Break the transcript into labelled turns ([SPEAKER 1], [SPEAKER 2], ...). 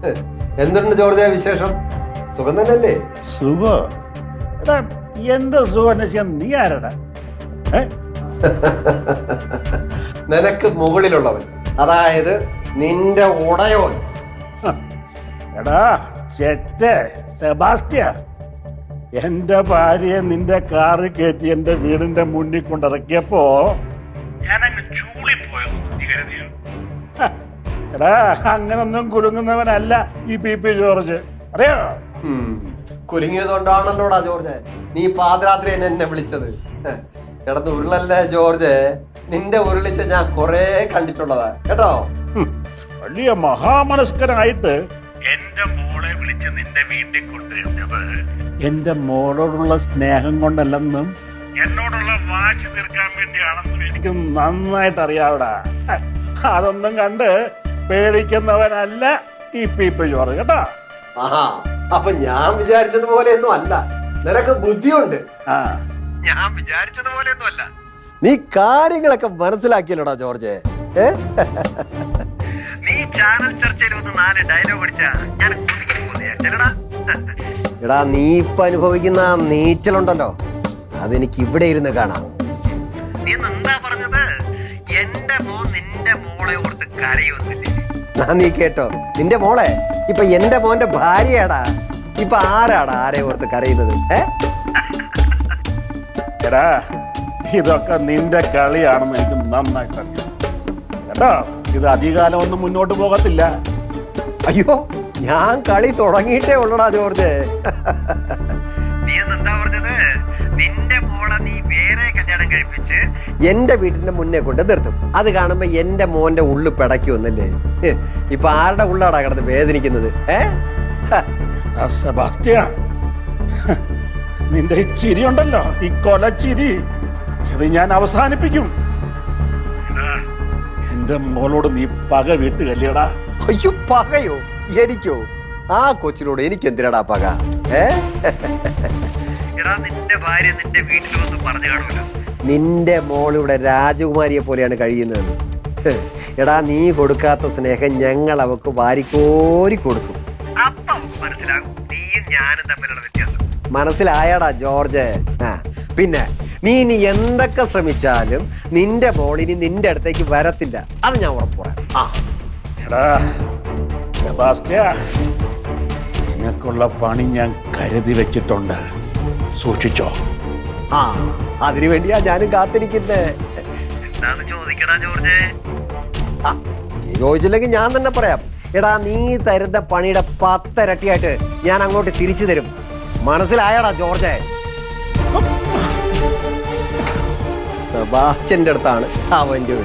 [SPEAKER 1] എന്തുണ്ട് ജോർജ് വിശേഷം? സുഖം തന്നെയല്ലേ?
[SPEAKER 2] സുഖോ? എടാ എന്റെ സുഖം അന്വേഷിക്കാൻ നീ ആരടാ?
[SPEAKER 1] നിനക്ക് മുകളിലുള്ളവൻ, അതായത് നിന്റെ ഉടയോൻ.
[SPEAKER 2] എടാ ചെറ്റേ സെബാസ്റ്റ്യ, എന്റെ ഭാര്യയെ നിന്റെ കാറ് കയറ്റി എന്റെ വീടിന്റെ മുന്നിൽ കൊണ്ടിറക്കിയപ്പോ ഞാനങ്ങ് ചൂളിപ്പോയത് നീ കരുതിയോ? എടാ അങ്ങനൊന്നും കുലുങ്ങുന്നവനല്ല ഈ പി ജോർജ്, അറിയോ?
[SPEAKER 1] കുലുങ്ങിയതുകൊണ്ടാണല്ലോടാ ജോർജ് നീ പാതിരാത്രി എന്നെ വിളിച്ചത്. കിടന്ന് ഉരുളല്ലേ ജോർജ്, നിന്റെ ഉരുളിച്ച ഞാൻ കൊറേ കണ്ടിട്ടുള്ളതാ കേട്ടോ.
[SPEAKER 2] വലിയ മഹാമനസ്കനായിട്ട് എന്റെ മോളെ വിളിച്ച് നിന്റെ വീട്ടിൽ കൊണ്ടുവരുന്നത് എന്റെ മോളോടുള്ള സ്നേഹം കൊണ്ടല്ലെന്നും എന്നോടുള്ള വാശി തീർക്കാൻ വേണ്ടിയാണെന്നും എനിക്ക് നന്നായിട്ട് അറിയാവിടാ. അതൊന്നും കണ്ട് പേടിക്കുന്നവനല്ല ഈ പി ജോർജ് കേട്ടോ.
[SPEAKER 1] ആഹാ, അപ്പൊ ഞാൻ വിചാരിച്ചതുപോലെയൊന്നും അല്ല, നിനക്ക് ബുദ്ധിയുണ്ട്. ഞാൻ വിചാരിച്ചതുപോലെയൊന്നും അല്ല. നീ കാര്യങ്ങളൊക്കെ മനസ്സിലാക്കിയല്ലോടാ ജോർജ്. നീ ചാനൽ ചർച്ചയിൽ വന്ന് 4 ഡയലോഗ് അടിച്ചാ ഞാൻ എടാ, നീ ഇപ്പൊ അനുഭവിക്കുന്ന നീച്ചലുണ്ടല്ലോ, അതെനിക്ക് ഇവിടെ ഇരുന്ന് കാണാം. നീ എന്താ പറഞ്ഞത്? എന്റെ മോൻ നിന്റെ മോളെ ഓർത്ത് കരയൊന്നില്ലേ? നീ കേട്ടോ, നിന്റെ മോളെ ഇപ്പൊ എന്റെ മോന്റെ ഭാര്യയാടാ. ഇപ്പൊ ആരാടാ ആരെ ഓർത്ത് കരയുന്നത്?
[SPEAKER 2] എടാ ഇതൊക്കെ നിന്റെ കളിയാണെന്ന് എനിക്ക് നന്നായിട്ട് അറിയാം കേട്ടോ. ഇത് അധികാലം ഒന്നും മുന്നോട്ട് പോകത്തില്ല.
[SPEAKER 1] അയ്യോ, ഞാൻ കളി തുടങ്ങിയിട്ടേ ഉള്ളടാ ജോർജ്. നീ എന്താ പറഞ്ഞത്? നിന്റെ മോളെ നീ വേറെ കല്യാണം കഴിപ്പിച്ച് എന്റെ വീട്ടിന്റെ മുന്നേ കൊണ്ട് നിർത്തും. അത് കാണുമ്പോ എന്റെ മോന്റെ ഉള്ളു പിടയ്ക്കുമെന്നല്ലേ? ഇപ്പൊ ആരുടെ ഉള്ളാടാ കിടന്ന് വേദനിക്കുന്നത്?
[SPEAKER 2] സെബാസ്റ്റ്യ, നിന്റെ ഈ ചിരി ഉണ്ടല്ലോ, ഈ കൊലച്ചിരി, ഇത് ഞാൻ അവസാനിപ്പിക്കും. എന്റെ മോളോട് നീ പക വീട്ടുകല്ലേടാ.
[SPEAKER 1] അയ്യോ, പകയോ? എനിക്കോ? ആ കൊച്ചിനോട് എനിക്ക് എന്തിനാടാ പക? നിന്റെ ഭാര്യ നിന്റെ വീട്ടിൽ വന്ന് പറഞ്ഞു കാണുമല്ലോ, നിന്റെ മോളിവിടെ രാജകുമാരിയെ പോലെയാണ് കഴിയുന്നത്. എടാ, നീ കൊടുക്കാത്ത സ്നേഹം ഞങ്ങൾ അവക്ക് വാരിക്കോരി കൊടുക്കും. മനസ്സിലാകും നീയും ഞാനും തമ്മിലുള്ള വ്യത്യാസം. മനസ്സിലായടാ ജോർജ്? പിന്നെ നീ എന്തൊക്കെ ശ്രമിച്ചാലും നിന്റെ മോളിനി നിന്റെ അടുത്തേക്ക് വരത്തില്ല, അത് ഞാൻ ഉറപ്പ് പറയാം.
[SPEAKER 2] എടാ സെബാസ്റ്റ്യ, നിനക്കുള്ള പണി ഞാൻ കരുതി വെച്ചിട്ടുണ്ട്, സൂക്ഷിച്ചോ.
[SPEAKER 1] അതിനു വേണ്ടിയാ ഞാനും കാത്തിരിക്കുന്നേ. നീ ചോദിച്ചില്ലെങ്കിൽ ഞാൻ തന്നെ പറയാം. എടാ, നീ തരുന്ന പണിയുടെ 10 ഇരട്ടിയായിട്ട് ഞാൻ അങ്ങോട്ട് തിരിച്ചു തരും. മനസ്സിലായടാ ജോർജ്? സെബാസ്റ്റ്യന്റെ അടുത്താണ് അവന്റെ